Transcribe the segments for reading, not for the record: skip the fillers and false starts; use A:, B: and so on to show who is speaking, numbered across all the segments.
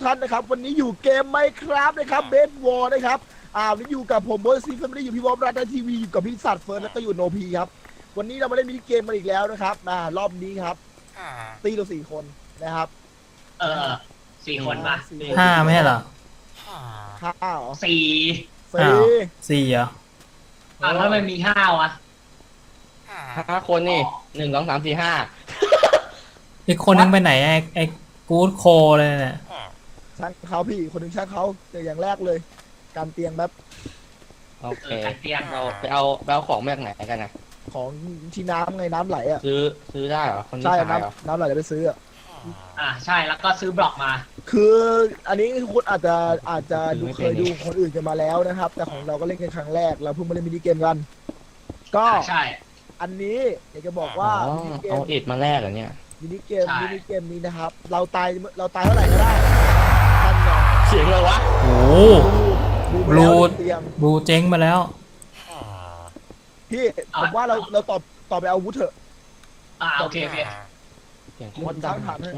A: ท่านนะครับวันนี้อยู่เกมไหมครับนะครับเบสวอร์นะครับวันนี้อยู่กับผมโบซีไม่ได้อยู่พี่วอมรัตน์ทีวีอยู่กับพี่สัตว์เฟิร์นแล้วก็อยู่โนพีครับวันนี้เรามาเล่นมินิเกมมาอีกแล้วนะครับรอบนี้ครับตีเรา4 คนนะครับ
B: 4 คนป่ะ
C: ห้าไม่ใช่เหรอ
A: 5เหรอ
B: 4
C: 4เหรอ
B: แล้วมันมี5วะ
D: 5 คนนี่1 2 3 4 5
C: อีกคนนึงไปไหนไอ้กู๊ดโคเลยเนี่ย
A: ช่างเขาพี่คนหนึ่งช่างเขาแต่อย่างแรกเลย การเตียงแบบ
D: โอเค
B: การเตียง
D: เราไปเอาของมาจากไหนกันนะ
A: ของที่น้ำไงน้ำไหลอ่ะ
D: ซื้อได้เหรอคนที่
A: ใช่
D: ขายเหรอ
A: น้ำไหลเดี๋ยวไปซื้ออ่ะ
B: ใช่แล้วก็ซื้อบล็อกมา
A: คืออันนี้คุณอาจจะดูเคยดูคนอื่นกันมาแล้วนะครับ แต่ของเราก็เล่นกันครั้งแรกเราเพิ่งมาเล่นมินิเกมกัน ก็
B: ใช่
A: อันนี้อยากจะบอกว่า
D: อ๋อ
A: มินิเก
D: เอา
A: ม
D: อิฐมาแลกเหรอเนี่ย
A: มินิเกมนี้นะครับ เราตายเท่าไหร่ก็ได้ท่านไง
D: เสียงเลยวะ
C: โอ้
A: ดู
C: บลู
A: เตียง
C: บูเจ๊งมาแล้ว
A: พี่ผมว่าเราต่อไปเอาวุธเถอะ
B: โอเค
D: เสียงโคตรดัง
A: ถามให้
D: ใช่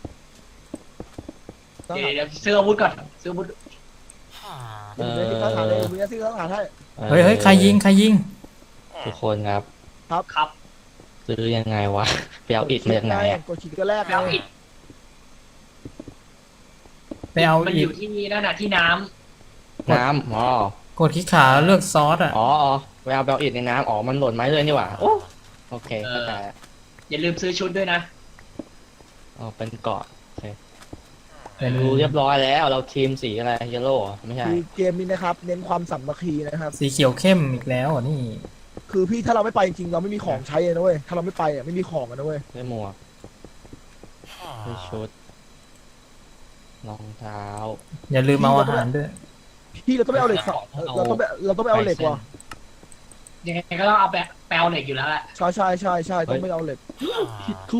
A: ต้อง
B: เดี๋ยวซื้ออาวุธก่อนซื้ออาวุธ
A: เดี๋ยวที่เขาถามเลยมึงจะซื้อเขาถามให้
C: เฮ้ยใครยิง
D: ทุกคนครับ
B: ครับ
D: ซื้อยังไงวะไปเอาอิฐมาจากไหนอ่ะ
A: กดขีดก็แรก
B: ไปเอาอิฐ
C: ไปเอา
B: มัน
C: อี
B: อก ยู่ที่นั่นน่ะที่น้
D: น้ำอ๋อก
C: ดคลิกขาเลือกซอสอ่ะ
D: อ๋อไปเอาอิฐในน้ำอ๋อมันหล่นไม้เลยนี่หว่าโอเคเข้าใจแล้ว
B: ำอย่าลืมซื้อชุดด้วยนะ
D: อ๋อเป็นเกาะโอเค
C: เป็น
D: ดูเรียบร้อยแล้วเราทีมสีอะไรเยลโล่ไม่ใช่
A: คือเกมนี้นะครับ เน้นความสามัคคีนะครับ
C: สีเขียวเข้มอีกแล้วอ่ะนี่
A: คือพี่ถ้าเราไม่ไปจริงเราไม่มีของใช้เลยนะเว้ยถ้าเราไม่ไปอ่ะไม่มีของกันนะเว้ย
D: ได้หมวกได้ชุดรองเท้า
C: อย่าลืมเอาอาหารด้วย
A: พี่เราต้องไปเอาเหล็กเราต้องไปเอาเหล็กว่ะ
B: ยังไงก็ต้องเอาแปลเหล็กอยู่แล้วแหละ
A: ใช่ต้องไปเอาเหล็กผิดคู่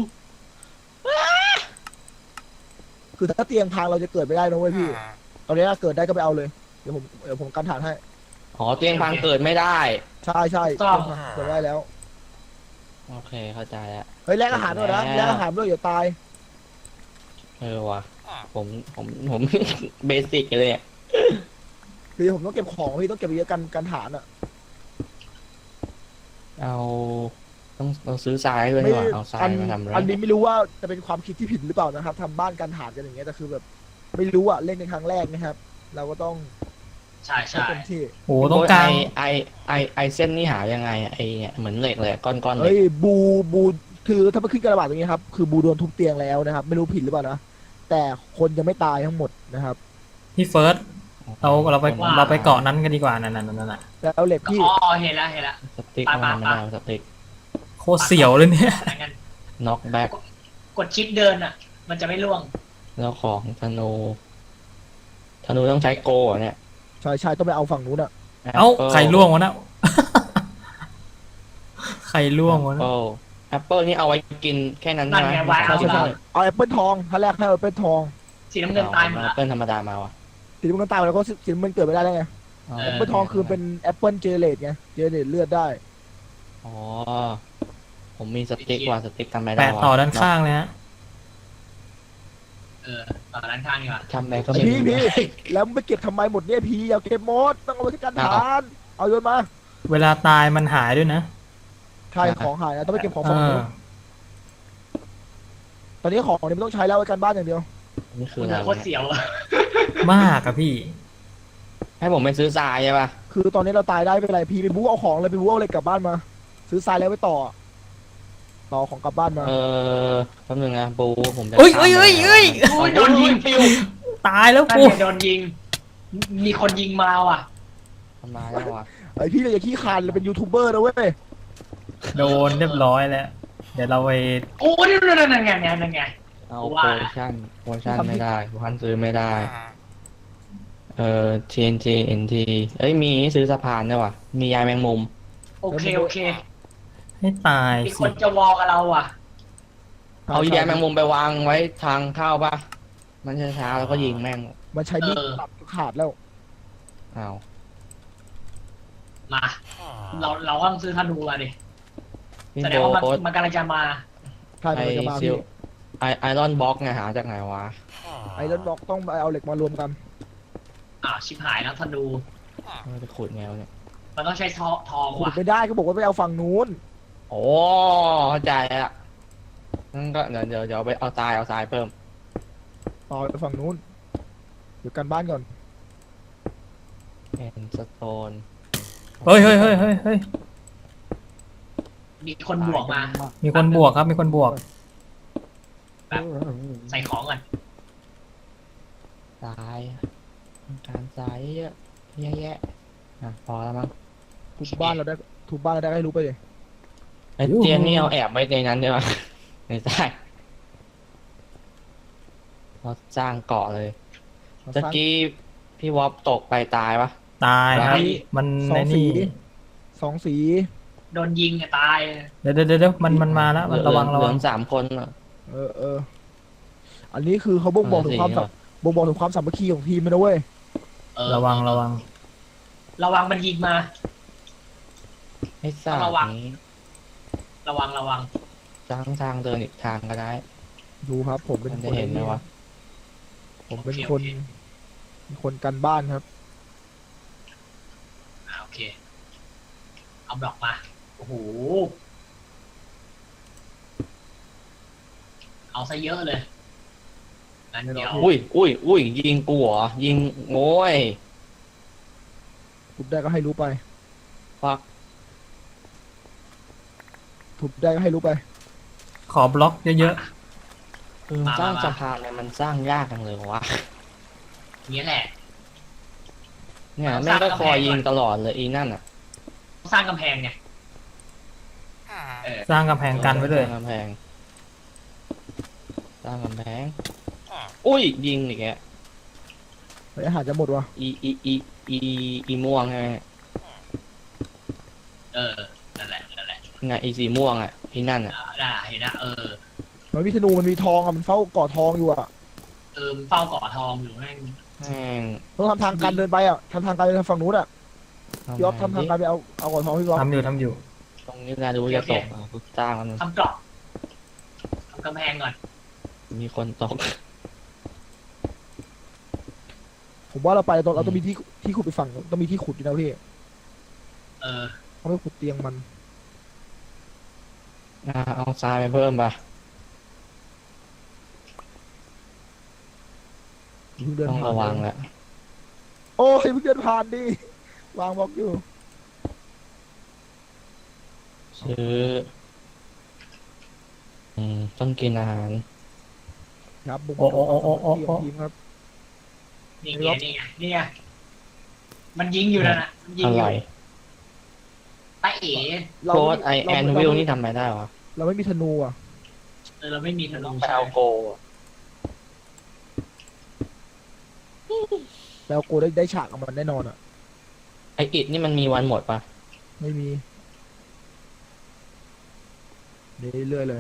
A: คือถ้าเตียงพังเราจะเกิดไม่ได้นะเว้ยพี่ตอนนี้ถ้าเกิดได้ก็ไปเอาเลยเดี๋ยวผมกันฐานให้
D: อ๋อเตียงพังเกิดไม่ได้
A: ใช่เกิดได้แล้ว
D: โอเคเข้าใจแล้ว
A: เฮ้ยแลกอาหารด้วยนะแลกอาหารด้วยอย่าตาย
D: ว่ะผม เบสิกเลยเนี่ย
A: คือผมต้องเก็บของพี่ต้องเก็บเยอะกันฐานอ่ะ
D: เราซื้อทรายด้วยดีกว่าเอาทรายมาทำอะไร
A: อันนี้ไม่รู้ว่าจะเป็นความคิดที่ผิดหรือเปล่านะครับทำบ้านกันฐานกันอย่างเงี้ยแต่คือแบบไม่รู้อ่ะเล่นในครั้งแรกนะครับ เราก็ต้อง
B: ใช่
A: ให้เต็มที่
C: โอ้ต้องการ
D: ไอเส้นนี่หายังไงไอเนี่ยเหมือนเหล็กเลยก้อนๆเหล็
A: เฮ้
D: ก
A: ยบูคือถ้ามันขึ้นกระบาดตรงนี้ครับคือบูโดนทุบเตียงแล้วนะครับ ไม่รู้ผิดหรือเปล่านะแต่คนยังไม่ตายทั้งหมดนะครับ
C: พี่เฟิร์สเราไปเกาะนั้นกันดีกว่านั่นน่ะ
A: แล้วเหล็กพี่
B: อ๋อเห็นแล้ว
D: สติ๊กมันไม่ได้สติ๊ก
C: โคตรเสียวเลยเนี่ย
B: งั้น
D: น็อกแบ็ก
B: กดชิปเดินอ่ะ มันจะไม่ล่วง
D: แล้วของธนูต้องใช้โกะเนี่ย
A: ใช่ต้องไปเอาฝั่งนู้นอ่ะ
C: เอ้าใครล่วงวะนะ ใครล่วงวะนะ
D: แอปเปิลนี่เอาไว้กินแค่นั้น
B: นั่นไงวาง
A: ใช่เอาแอปเปิลทองท่าแรกให้แอปเปิลทอง
B: สีน้ำเงินตายหมด
D: แอ
B: แล้
D: ป
B: ว
D: เปิลธรรมดามาว่ะ
A: สีน้ำเงินตายไปแล้วก็สีน้ำเงินเกิดไม่ได้แล้วไงแอปเปิลทองคือเป็นแอปเปิลเจเนเรตไงเจเนเรตเลือดได้
D: อ๋อผมมีสติ๊กว่ะสติ๊กทำไมได้
C: แปะต่อด้านข้างเลยฮะ
B: ต่อด้านข้างดีกว่า
D: ทำไมก็ไม่รู้
A: พี่แล้วไปเก็บทำไมหมดเนี่ยพี่อย่าเก็บหมดต้องเอาไว้ที่กันฐานเอาโยนมา
C: เวลาตายมันหายด้วยนะ
A: ใช่ของหายนะต้องไปเก็บของฝั่งนู้นตอนนี้ของเนี่ยไม่ต้องใช้แล้วไว้กันบ้านอย่างเดียว
D: นี่คือ
B: คุณ
D: อะไร
B: โคตรเสียว
C: มากอะพี่
D: ให้ผมไปซื้อทรายใช่ป่ะ
A: คือตอนนี้เราตายได้ไม่เป็นไรพี่ไปบู๊เอาของเลยไปบู๊เอาเหล็กกลับบ้านมา ซื้อทรายแล้วไปต่อของกลับบ้านมา
D: แป๊บนึงนะปูผมจะ
C: เอ้ย
B: โอ้ยโดนยิง
C: ตายแล้ว
B: นั่น
C: กู
B: ไงโดนยิง มีคนยิงมาว่ะ
D: ทำมาแล้วว่ะ
A: ไอพี่เราอย่าขี้คานเราเป็นยูทูบเบอร์นะเว้ย
C: โดนเรียบร้อยแล้ว เดี๋ยวเราไป
B: โอ้ยนั่นไง
D: เอา
B: ว่า
D: โปรโมชั่นไม่ได้โปรโมชั่นซื้อไม่ได้TNT NT เอ้ยมีซื้อสะพานด้วยว่ะมียายแมงมุม
B: โอเค
C: ให้ตาย
B: มีค
C: สิ
B: นจะวอลกับเราอ่ะ
D: เอายายแมงมุมไปวางไว้ทางเข้าป่ะมันช้าๆแล้วก็ยิงแม่ง
A: มันใช้มีดตัดขาดแล้ว
D: อ้าว
B: มา เราก็ต้องซื้อธนูมาดิ
D: พี่
B: แสด
D: โบ
B: งว่า
D: โอ๊ต
B: มันกำลังจะมา
A: ใช่
D: ไอ
A: มันจะมา
D: ซิ
A: พี่
D: ลไอรอนบล็อกไงหาจากไหนวะ
A: ไอรอนบล็อกต้องไปเอาเหล็กมารวมกัน
B: ชิบหายแล้วธนู
D: จะขุดไงวะเนี่ย
B: มันต้องใช้ทอง
A: ขุด
B: ว่ะ
A: ไม่ได้ก็บอกว่าไปเอาฝั่งนู้น
D: โอ้เข้าใจละงั้นก็เดี๋ยวไปเอาทรายเพิ่ม
A: ต่อไปฝั่งนู้นเดี๋ยวกันบ้านก่อน
D: เอ็นสโตน
C: เฮ้ยเฮ้ยเฮ้ยเฮ้ยเฮ้ย
B: มีคนบวกมา
C: มีคนบวกครับมีคนบวก
B: ใส่ของก่อน
D: ทรายต้องการทรายเยอะแยะอ่ะพอแล้วมั้ง
A: ทุบบ้านเราได้ทุบบ้านเราได้ให้รู้ไปเลย
D: ไอเตียงนี่เอาแอบไว้ในนั้นได้ปะในใต้เราสร้างเกาะเลย
A: เราส
D: ตะ
A: ร้าง
D: กี้พี่วอปตกไปตายปะ
C: ตายครับ มัน
A: สอ
C: ใน
A: งสี
C: นี่
A: สองสี
B: โดนยิงตาย
C: เดี๋ยวมันมาแล้วมันระวัง
D: เหลือ3 คนอะ
A: เอออันนี้คือเขาบ่งบอกถึงความบ่งบอกถึงความสามัคคีของทีมเลยนะเว้ย
C: ระวัง
B: ระวังมันยิงมา
D: ให้สร้าง
B: ระวัง
D: นี้
B: ระวัง
D: สร้างทางเดินอีกทางก็ได้
A: ดูครับ ผมเป็น
D: มัน
A: ค
D: จะ
A: น
D: เห็นไหมวะ
A: ผมเป็นคนกันบ้านครับ
B: โอเคเอาบล็อกมาโอ้โหเอาซะเยอะเลยงั้นเดี๋ยว
D: อุ้ยยิงกูเหรอยิงโง่ย
A: ทุบได้ก็ให้รู้ไป
D: ฟัก
A: ทุบได้ก็ให้รู้ไป
C: ขอบล็อกเยอะ
D: คือสร้างสะพานเนี่ยมันสร้างยากจังเลยวะ
B: นี้แหละ
D: เนี่ยแม่งก็คอยยิงตลอดเลยอีนั่นอ่ะ
B: สร้างกำแพงไง
C: ๆ สร้างกำแพงกันไว้เลย
D: สร้างกำแพงสร้างกำแพงอุ้ยยิงอีกแก
A: เฮ้ยอาหารจะหมดวะ
D: อีม่วงไง
B: นั่นแหละ
D: ไงอีสีม่วงอ่ะอีนั่นอ่ะ
B: ได้เห็นนะ
A: มันมีธนูมันมีทองอะมันเฝ้าก่อทองอยู่อะ
B: เฝ้าเกาะทองอยู่แม่ง
D: แม่ง
A: ต้องทำทางการเดินไปอะทำทางการเดินฝั่งนู้นอะพี่อ๊อฟทำทางการไปเอาก่อทองพี่อ๊อฟ
C: ทำอยู่
D: ตรงนี้นะดูจะตกอ่ะกูสร้างมัน
B: ทำกรอบทำกำแพงก่อน
D: มีคนตก
A: ผมว่าเราไปเราต้องมีที่ขุดไปฝั่งต้องมีที่ขุดอยู่นะพี่ เขาไม่ขุดเตียงมัน
D: เอาทรายไปเพิ่มป่ะ
A: เพิ่งเดิน
D: ต้อง
A: ผ่าน
D: ระวังแหละ
A: โอ้ยเพิ่งเดินผ่านดิวางบล็อกอยู่
D: ซื้อต้องกินอาหาร
A: ครับบุก
C: โอ้
A: ทีมครับ
B: นี่ไงมันยิงอยู่นะมันยิง
D: อ
B: อยู่
D: ร่อย
B: ตาเอ๋
D: โค้ดไอแอนวิลนี่ทำไมได้วะ
A: เราไม่มีธนูอ่ะ
B: เราไม่มีธนู
D: ไปเอาโก
A: แต่เอาโกได้ฉากกับมันแน่นอนอ่ะ
D: ไออิดนี่มันมีวันหมดป่ะ
A: ไม่มีเรื่อยๆเลย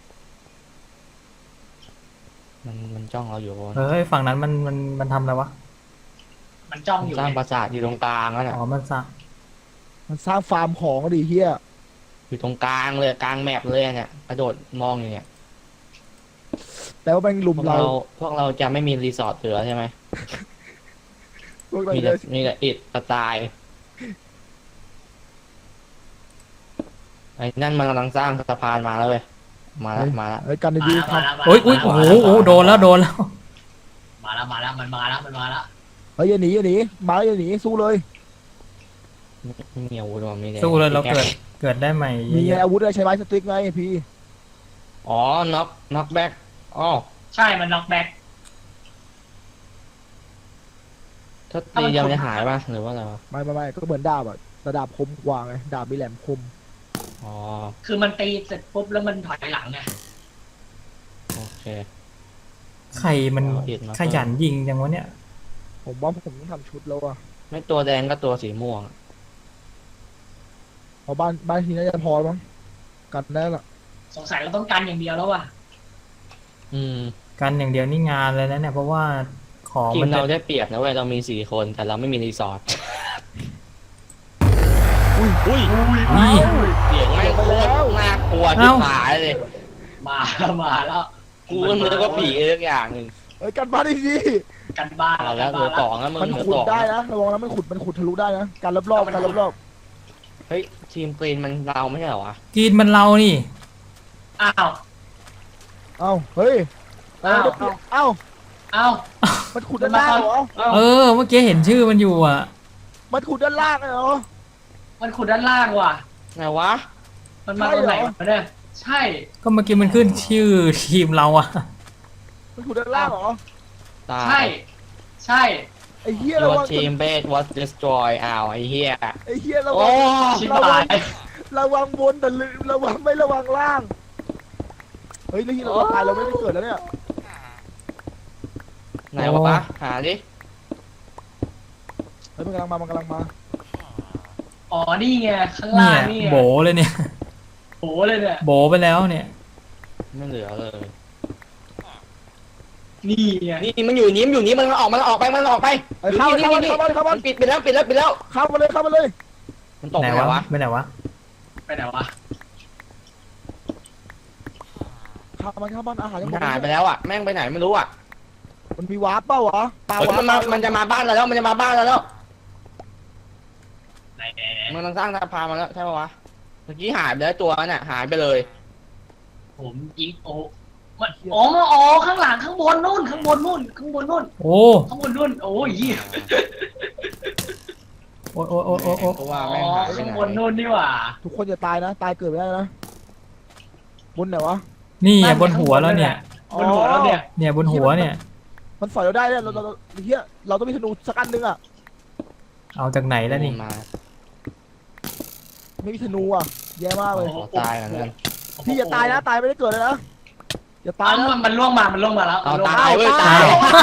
D: มันจ้องเราอยู่วะ
C: เฮ้ยฝั่งนั้นมันทำอะไรวะ
B: มันจ้องอยู่
D: สร้างปราสาทอยู่ตรงกลางแล้วน่ะ
C: อ๋อมันสร้าง
A: มันสร้างฟาร์มของก็ดีเฮีย
D: อยู่ตรงกลางเลยกลางแมปเลยเนี่ยกระโดดมองอยู่เนี่ย
A: แต่ว่าแม่งลุม
D: พวก
A: เรา
D: เราจะไม่มีรีสอร์ทเหลือใช่ไหม
A: พวกเรา
D: มี
A: จะ
D: แต่อิดกระตายไอ้นั่นมันกำลังสร้างสะพานมาแล้วเว้ยมาแล้ว
A: เฮ้ยกันดีๆครับ
C: โอ้ยโอ้โหโดนแล้ว
B: มาแล้วมันมาแล้ว
A: เฮ้ยอย่าหนีมาแล้วอย่าหนีสู้เลย
D: ไม่มีอาวุธหรอมีแต่
C: สู้เลยเราเกิดได้ใหม่
A: มี
C: เยอะ
A: อาวุธอะไรใช้ไม้สติ๊กไงพี่
D: อ๋อน็อกแบ็กอ๋อ
B: ใช่มันน็อกแบ็ก
D: ถ้าตีเดียวจะหายป่ะหรือว่าอะไรวะ
A: ไม่ก็เหมือนดาบอะแต่ดาบคมกว่าไงดาบมีแหลมคม
D: อ๋อ
B: คือมันตีเสร็จปุ๊บแล้วมันถอยหลังไง
D: โอเค
C: ใครมันขยันยิงจังวะเนี่ย
A: ผมว่าผมต้องทำชุดแล้วอะ
D: ไม่ตัวแดงก็ตัวสีม่วง
A: เพราะบ้านทีน่าจะพอมั้งกันได้ละ
B: สงสัยเราต้องการอย่างเดียวแล้วว่ะ
C: กันอย่างเดียวนี่งานเลยนะเนี่ยเพราะว่าของ
D: ที
C: มั
D: ม
C: น
D: เราได้เปรียบนะเว้ยเรามี4 คนแต่เราไม่มีรีสอร์ท อุ้ย
C: นี่
D: เสียงแม่งโคตรน่ากลัวที่หายเลย
B: มาแล้ว
D: กูก็นึกว่าผีอะไรสักอย่างหนึ่ง
A: เอ้ยกันบ้านดี
B: กันบ้าน
D: เอาแล้วเหลือสองแล้วมึง
A: ๆมัน
D: เหลือ
A: ขุด
D: สอง
A: ได้นะระวังนะมันขุดทะลุได้นะการรอบๆการรอบ
D: เฮ้ยทีมกรีนมันเราไม่ใช่เหรอวะ
C: กินมันเรานี่
B: อ้าว
A: ๆเอ้าเฮ้ยเอ้าเอ้า
B: อ้าว
A: มันขุดด้านล่างเหรอ
C: เออ เมื่อกี้เห็นชื่อมันอยู่อ่ะ
A: มันขุดด้านล่างเหรอ
B: มันขุดด้านล่างว่ะ
D: ไงวะ
B: มันมาตรงไหนวะเนี่ยใช่
C: ก็เมื่อกี้มันขึ้นชื่อทีมเราอ่ะ
A: มันขุดด้านล่างเหรอ
D: ตาย
B: ใช่ ใช่
A: ไอ้เหี้ยระ
D: Your
A: วัง
D: team base was destroyed อ้าวไอ้เหี้ย
A: ไอ้เหี้ยระ
D: โอ้
A: วัง
B: ชิบ
A: ระวั
B: หาง ย
A: ระวังบนแต่ลืมระวังไม่ระวังล่างเฮ้ยแล้วที่เราตายเราไม่ได้เกิดแล้วเนี่ย
D: ไหนวะหาดิ
A: เฮ้ยมันกำลังมา
B: อ๋อนี่ไงข้าง
C: เนี่
B: ล่าย งนี่ไง
C: โบเลยเนี่ย
B: โหเลยเนี่ย
C: โบไปแล้วเนี่ย
D: ไม่เหลือเลย
B: นี่ไง
D: นี่มันอยู่นี้มันออกไป
A: เฮ้ยเข้า
D: นี่
A: มา
D: ปิดแล้ว
A: เข้ามาเลย
D: มันตก
C: ไหน
D: ไหน
C: วะ
D: วะ
C: ไม่ไหนวะ
B: ไปไหนวะ
A: เข้ามาอาหารยังหม
D: มัน
A: ด
D: หายไปแล้วอ่ะแม่งไปไหนไม่รู้อ่ะ
A: มันมีวาร์ปเปล่าวะปลา
D: เฮ้ยว
A: าร์ป
D: มันจะมาบ้านเราแล้วมันจะมาบ้านเราแล้ว
B: ไหน
D: มันกำลังสร้างสะพานมาแล้วใช่ปะวะเมื่อกี้หายไปแล้วตัวนั้นน่ะหายไปเลย
B: ผมยิงโอ้มันอ๋ออ๋อข้างหลังข้างบนนู่นข้างบนนู่นข้างบนนู่น
C: โอ้
B: ข้างบนนู่นโอ้ยยี่
C: โอ้โอ้โอ้โอ้โอ้
D: เพราะว่า
B: อ๋อ
D: แม่งหายไป
B: ข้าง
D: ไหน
B: บนนู่นนี่หว่า
A: ทุกคนจะตายนะตายเกิดไม่ได้นะบนไหนวะ
C: นี่ไงบนหัวแล้วเนี่ย
B: บนหัวแล้วเนี่ย
C: เนี่ยบนหัวเนี่ย
A: มันสอยเราได้เนี่ยเราเฮียเราต้องมีธนูสักอันนึงอ่ะ
C: เอาจากไหนแล้วนี่
D: มา
A: ไม่มีธนูอ่ะแย่มากเลย
D: ขอตายกันนั่น
A: พี่อย่าตายนะตายไม่ได้เกิดเลยนะอย่าตา
B: ตาย ย
A: นะ
B: มันล่วงมาแล้ว
D: เอา
B: ล่วง
D: ตายเว้ยตาย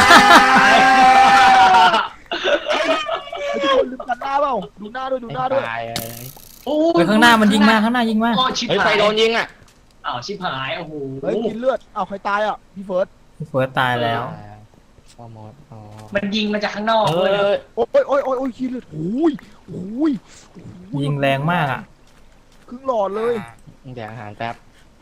A: ไอ้ทุกคนลืมกันหน้าเปล่าดูหน้าด้วยดูหน้าด้วย
D: ตาย
B: โอ้
C: ไปข้างหน้ามันยิงมาข้างหน้ายิงมา
B: โอ้ชิบ
D: เฮ้ย
B: หา
D: ใคร
B: ย
D: โดนยิงอ่ะ
B: อ้าวชิบหายโอ้โห
A: เฮ้ยกินเลือดเอาใครตายอ่ะพี่เฟิร์ส
C: พี่เฟิร์สตายแล้ว
D: ฟอร์มอสอ๋อ
B: มันยิงมาจากข้างนอก
D: เอ
B: เลยนะ
D: อ
A: โอ้ยกินเลือดโอ้ย
C: ยิงแรงมากอ่ะ
A: ครึ่งหลอดเลย
D: เดี๋ยวอาหารแป๊บ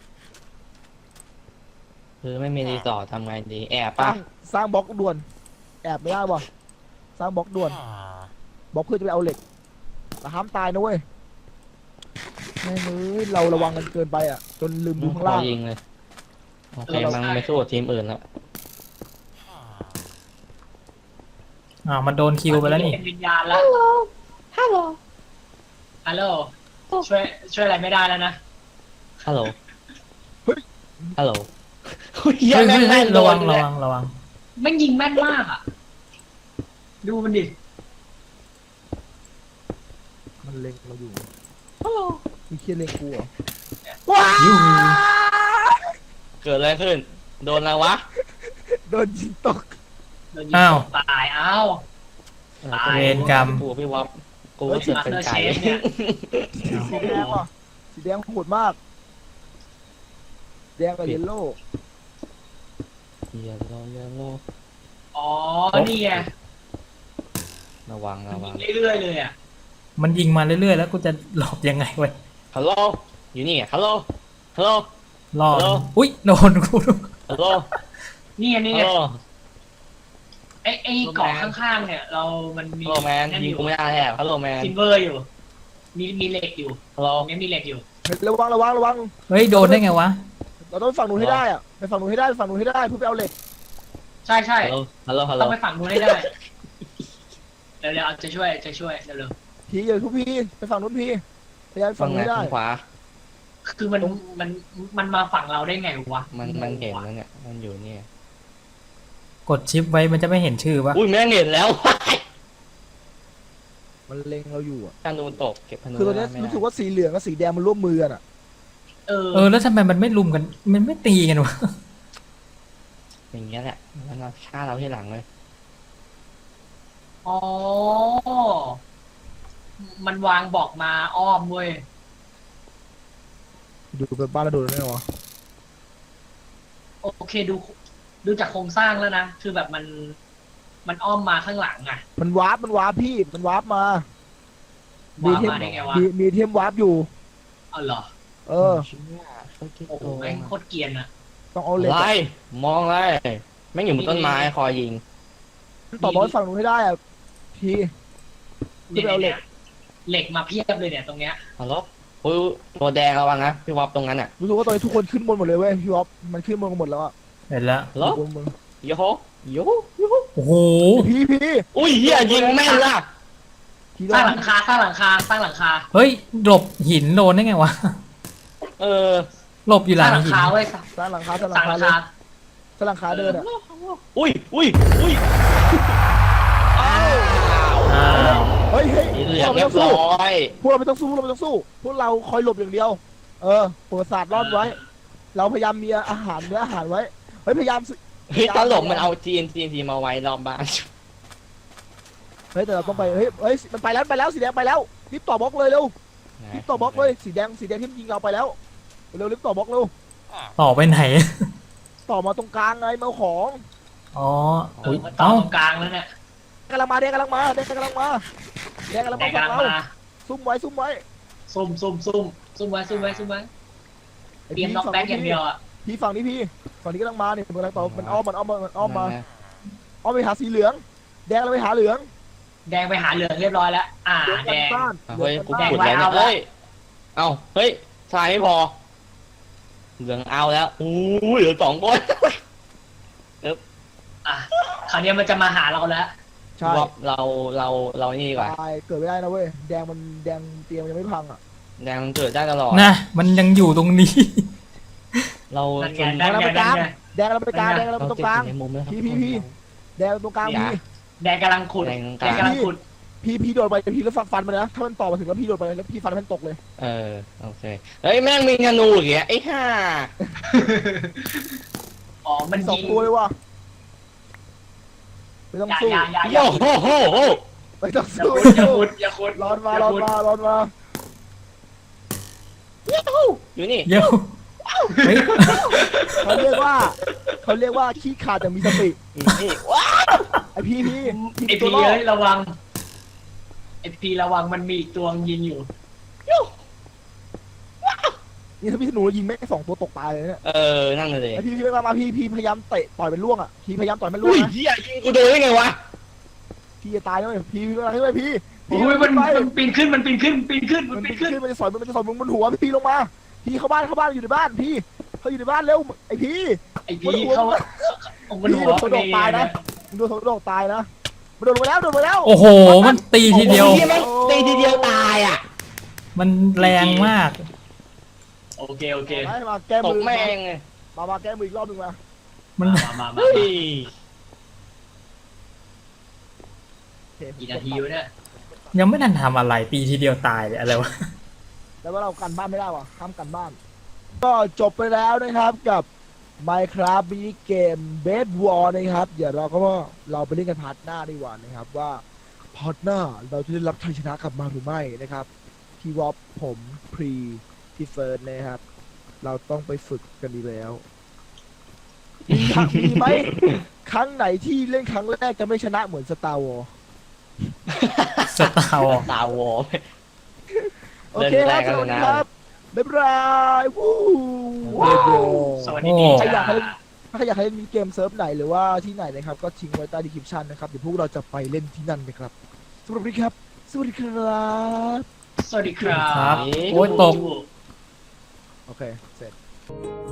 D: คือไม่มีรีสอร์ททำไงดีแอบ
A: สร้า
D: ปะ
A: งสร้างบล็อกด่วน แอบไม่ได้ป่ะสร้างบล็อกด่วนบล็อกเพื่อจะไปเอาเหล็กแต่ห้ามตายนะเว้ยแม่งเอ้ยเราระวังกันเกินไปอ่ะจนลืมดูข้างล่าง
D: ยิงเลยโอเคมันไม่สู้กับทีมอื่นแล้ว
C: อ้าวมันโดนคิวไปแล้วนี่
B: เป็นวิญญาณแล้วฮัลโหลช่วยอะไรไม่ได้แล้วนะ
D: ฮัลโหล
A: เฮ้ย
D: ฮัลโหล
C: เฮ้ยเฮ้ยเฮ้ยระวังระวังระวัง
B: แม่งยิงแม่นมากอ่ะ ดูมันดิ
A: มันเล็งเราอยู่มีเคียเล็งกูเหรอ
C: ยูหู
D: เกิดอะไรขึ้น โดนอะไรวะ
A: โดนยิงตก
B: โดนยิงตายอ้าว ตาย
C: เวรกรรม
D: กูพี่วอฟกูรู้สึกเป็นไก่
B: Master Chef เนี่ย
A: สีแดงว่ะสีแดงโหดมากแดงกับเยลโล่
D: เยลโลเยลโล
B: อ๋อ นี่ไง
D: ระวัง
B: มัน
D: ระวั
B: ยิ
D: ง
B: งเรื่อยๆเลยอ่ะ
C: มันยิงมาเรื่อยๆแล้วกูจะหลบยังไงวะ
D: ฮัลโหลอยู่นี่ฮัลโหลฮัลโหล
C: รอด
D: ฮัลโหล
C: อุ้ยโดนกูด้วย
D: ฮัลโหล
B: นี่ไงนี่
D: ฮั
B: ไง
D: ลโหล
B: ไอ้เกาะข้างๆเนี่ย มันมี
D: ฮัลโหลแมน
B: นั่น
D: ยิ
B: อง ยู่
D: กูไม่ได้แอบฮัลโหลแมน
B: ซิลเวอร์อยู่ มีเหล็กอยู่
D: ฮัลโหล
B: ตรงนี้มีเหล็กอยู่
A: ระวัง
C: เฮ้ยโดนได้ไงวะ
A: เราต้องไปฝั่งนู้นให้ได้อะไปฝั่งนู้นให้ได้เพื่อไปเอาเหล็ก
B: ใช่ใช่
D: ฮัลโหลฮัลโหล
B: ต้องไปฝั่งนู้นให้ได้ เดี๋ยวๆจะช่วยเร็ว
A: พี่อย่าทุกพี่ไปฝั่งนู้นพี่พยายาม
D: ฝั่
A: ฝั่
D: ง
A: ง
D: ไหน
A: นู้นให้ได้
D: ฝั่งขวา
B: ๆคือมันมาฝั่งเราได้ไงวะ
D: มันเห็นแล้วเนี่ยมันอยู่เนี่ย
C: กดชิปไว้มันจะไม่เห็นชื่อปะ
D: อุ้ยแม่งเห็นแล้ว
A: มันเล็งเราอยู่อ่ะ
D: ธนูตกเก็บธนู
A: คือตอนนี้รู้สึกว่าสีเหลืองกับสีแดงมันร่วมมือกันอ่ะ
B: เออ
C: เออแล้วทำไมมันไม่ลุมกัน มันไม่ตีกันวะ
D: อย่างเงี้ยแหละมันมาฆ่าเราที่หลังเลย
B: อ๋อ มันวางบอกมาอ้อมเว้ย
A: ดูเป็นบ้านแล้วโดนได้ไงวะ
B: โอเคดูจากโครงสร้างแล้วนะ คือแบบมันอ้อมมาข้างหลังอ่ะ
A: มันวาร์ปพี่มันวาร์ปมา
B: วางมาได้ไงวะ
A: มีเทมวาร์ปอยู่
B: เอาเหรอ
A: เออ
D: เชี่ยโคตร
B: โอ้โห
D: โกง
B: แม่งโคตรเกรียนอ่ะ
A: ต้องเอาเหล็ก
D: อะไร
A: อะ
D: มองอะไรแม่งอยู่บนต้นไม้คอยยิง
A: ต่อบอลฝั่งนู้นให้ได้อ่ะพี่
B: เนี่
A: ขึ้นไปเอาเหล็
B: ย
A: ก
B: เหล็กมาเพียบเลยเนี่ยตรงเนี้ย
D: ฮัลโหลปุ้ยตัวแดงระวังนะพี่วอบตรงนั้นอ่ะ
A: รู้สึกว่าตอนนี้ทุกคนขึ้นบนหมดเลยเว้ยพี่วอฟมันขึ้นบนกันหมดแล้วอ่ะ
C: เห็นแล้ว
D: ฮัลโหล
A: บนบน
D: โยโฮโยโฮโยโฮ
C: โอ้โห
A: พี่
D: อุ้ยเฮียยิงแม่นล่ะ
A: พี่
B: สร้างหลังคาสร้างหลังคาสร้างหลังคา
C: เฮ้ยหลบหินโดนได้ไงวะ
D: เออ
C: หลบอยู่
B: ส
C: หลั
B: ร้าง งหลัง
C: หิน
B: คาไว้ย
A: สร้างหลังคา
B: สร้างหลังคา
A: สร้างหลังคาเดินอ่ะ
D: อุ้ยอุ้ยอุ้ยอ้าว
C: อ้าว
A: เฮ้ย
D: สีเหลื
A: พ
D: อ
A: ว
D: ง
A: กเรา
D: เรี
A: ไม่
D: ย
A: ต้
D: บ
A: องสู้
D: ร้อย
A: พวกเราไม่ต้องสู้พวกเราไม่ต้องสู้พวกเราคอยหลบอย่างเดียว เออประวัติศาสตร์รอดไว้ เราพยายามมีอาหารเนื้ออาหารไว้เฮ้ยพยายามสิ
D: เฮ้ยตลกมันเอา TNT มาไว้รอบบ้าน
A: เฮ้ยแต่เราต้องไปเฮ้ยมันไปแล้วสีแดงไปแล้วรีบต่อบล็อกเลยเร็วรีบต่อบล็อกเลยสีแดงที่มันยิงเราไปแล้วเร็วรีบต่อบล็อกเร็ว
C: ต่อไปไหน
A: ต่อมาตรงกลางไงมาเอาของ
C: อ๋อ
B: เอ
C: อุ้
B: อย มันต่อ
C: เอ้า
B: ตรงกลางแล้วเนี่ย
A: แดงกำลังมาแดงกำลังมาฝั่งเรา
B: แดงกำลังมา
A: ซุ่มไว้
B: ซุ่มไว้เตรียมน็อกแบ็กอย่างเดียวอ่ะ
A: พี่ฝั่งนี้ฝั่งนี้กำลังมาเนี่ยมันกำลังต่อมันอ้อมมาอ้อมไปหาสีเหลือง แดงเราไปหาเหลือง
B: แดงไปหาเหลืองเรียบร้อยแล้ว
A: เหลือง
B: แด
A: กัน
B: ง
A: บ้าน
D: เฮ้ยกู
B: แดง
D: ขุด
B: ไว้
D: แล้ว
B: เอา
D: เนี่ย
B: ละ
D: เฮ้ยเอ้าเฮ้ยทรายไม่พอเหลืองเอาแล้วอู้เหลือ2 คน
B: อ่ะคราวนี้มันจะมาหาเราแล้ว
A: ใช่
D: วอบเรานี่ดีกว่า
A: ตายเกิดไม่ได้นะเว้ยแดงเตียงยังไม่พังอ่ะ
D: แดงมันเกิดได้ตลอด
C: นะมันยังอยู่ตรงนี้
D: เรา
B: นั่น
D: ส่
B: ไง
D: วน
B: นั่นไงนั่นไง
A: แดงเราไปกลางแดงเรา
D: เรา
A: ตรง
D: ติด
A: กลาง
D: อยู่ในมุมแล้วครับ
A: พี่ แดงเราตรงกลาง
D: อย่า
B: แดงกำลังขุด
D: แดง
B: แดงกำลังขุด
A: พี่โดดไปพี่แล้วฟันมันนะถ้ามันต่อมาถึงแล้วพี่โดดไปแล้วพี่ฟันมันตกเลย
D: เออโอเคเฮ้ยแม่งมีธนูอย่างเงี้ยไอ้ห่า
B: อ๋อมัน
A: สอง
B: ยิง
A: ตัวเลยว่ะไม่ต้องสู้
B: อย่า
D: โอ้โหโหโห
A: ไม่ต้อง
B: อย่า
A: สู้
B: ขุด
A: ร้อนมา
D: อยู่นี่
C: เดี๋ยวเฮ้ย
A: เขาเรียกว่าขี้ขาดแต่มีสติ
D: นี่ว้า
A: ไอพี่
B: ไอ
A: ตัว
B: พี
A: รอด
B: เอ้ยระวังไอพีระวังมันมีอีกตัวยิงอยู่
A: นี่ถ้าพี่ธนูยิงแม่ง2 ตัวตกตายเลยเนี่ย
D: เออนั่งเลย
A: ไอพี่มาพี่พยายามเตะต่อยเป็นล่วงอ่ะพี่พยายามต่อยมันล่ว
D: อุ้
A: ง
D: ย
A: นะ
D: เฮียยิงกูโดนได้ไงวะ
A: พี่จะตายแล้วพี่มาขึ้นไปพี่
B: โอ้ยมันปีนขึ้นมันปีนขึ้น
A: มันจะสอยมันจะสอยมึงบนหัวพี่ลงมาพี่เข้าบ้านอยู่ในบ้านพี่เขาอยู่ในบ้านเร็วไอพี่
B: ไอพีเขามันหัว
A: โดนตายนะมึงโดนโดนตายนะมันโดนมาแล้ว
C: โอ้โหมันตีทีเดียว
D: เฮียแม่งตีทีเดียวตายอ่ะ
C: มันแรงมาก
B: โอเค
A: มาแก้
D: ต
A: มื
D: ก
A: อ
D: แม่ง
A: มาแก้มืออีกรอบนึงมา
C: มัน
B: มา
D: เฮ้ย
B: กี่นาทีวะเนี่ย
C: ยังไม่ทันทำอะไรตีทีเดียวตายเลยอะไรวะ
A: แต่ว่าเรากันบ้านไม่ได้ว่ะห้ามกันบ้าน ก็จบไปแล้วนะครับกับ Minecraft มินิเกม Bed War นะครับเดี๋ยวเราไปเล่นกันพาร์ทหน้าดีกว่านะครับว่าพาร์ทหน้าเราจะได้รับชัยชนะกลับมาหรือไม่นะครับพี่วอปผมพรีพี่เฟิร์สนะครับเราต้องไปฝึกกันดีแล้วมีไหมครั้งไหนที่เล่นครั้งแรกจะไม่ชนะเหมือน Star Wars
C: สตาร์วอร์
D: ตาวอ
A: โอเคครับสวัสดีครับบ๊ายบายวู้
B: สวัสดี
A: ใครอยาก
B: จ้า
A: ให้ถ้าใครอยากให้มีเกมเซิร์ฟไหนหรือว่าที่ไหนนะครับก็ทิ้งไว้ใต้ดีคริปชันนะครับเดี๋ยวพวกเราจะไปเล่นที่นั่นนะครับสำหรับวันนี้ครับสวัสดีครับ
B: สวัสดีครับ
C: ครับโอ้ยตก
A: โอเคเสร็จ